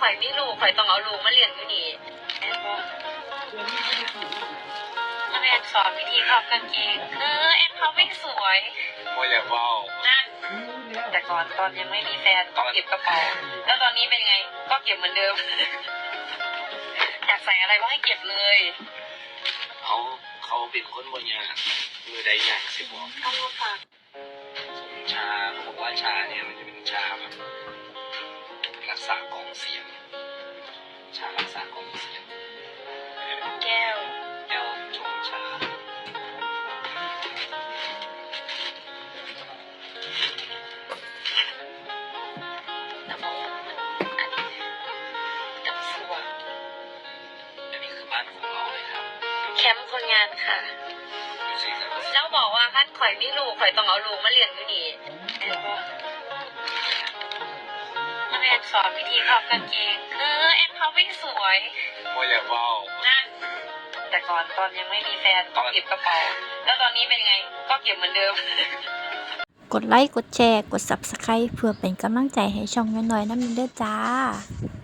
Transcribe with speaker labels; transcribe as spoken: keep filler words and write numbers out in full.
Speaker 1: อยไม่รู้ข่อยต้องเอาลูกมาเลี้ยงอยู่นี่แอนบอกแม่สอนวิธีพับกางเกงเออแอนพับไม่สวย
Speaker 2: โมอยากเว้า
Speaker 1: นั่นแต่ก่อนตอนยังไม่มีแฟนก็เก็บกระเป๋าแล้วตอนนี้เป็นไงก็เก็บเหมือนเดิมอยากใส่อะไรก็ให้เก็บเลย
Speaker 2: เขาเขาเป็นคนบ่ยากมือใดยากสิบอก
Speaker 1: เอามาฝาก
Speaker 2: ชาเขาบอกว่าชาเนี่ยมันจะเป็นชาแบบรักษากล่องเสียงชารักษากล่องเสียง
Speaker 1: แก้ว
Speaker 2: แก้วชงชา
Speaker 1: น้ำมันอันนี้น้ำสัว
Speaker 2: อันนี้คือบ้านของเราเลยครับ
Speaker 1: แคมป์คนงานค่ะแล้วบอกว่าท่านข่อยไม่รู้ข่อยต้องเอาลูกมาเลี้ยงอยู่นี่แอนบอกแม่สอนวิธีพับกางเกงเออแอนพับไม่สวย
Speaker 2: โมอยากเว้า
Speaker 1: นั่นแต่ก่อนตอนยังไม่มีแฟนก็เก็บกระเป๋าแล้วตอนนี้เป็นไงก็เก็บเหมือนเดิม
Speaker 3: กดไลค์กดแชร์กด ซับสไครบ์ เพื่อเป็นกำลังใจให้ช่องน้อยๆน้ำมันเด้อจ้า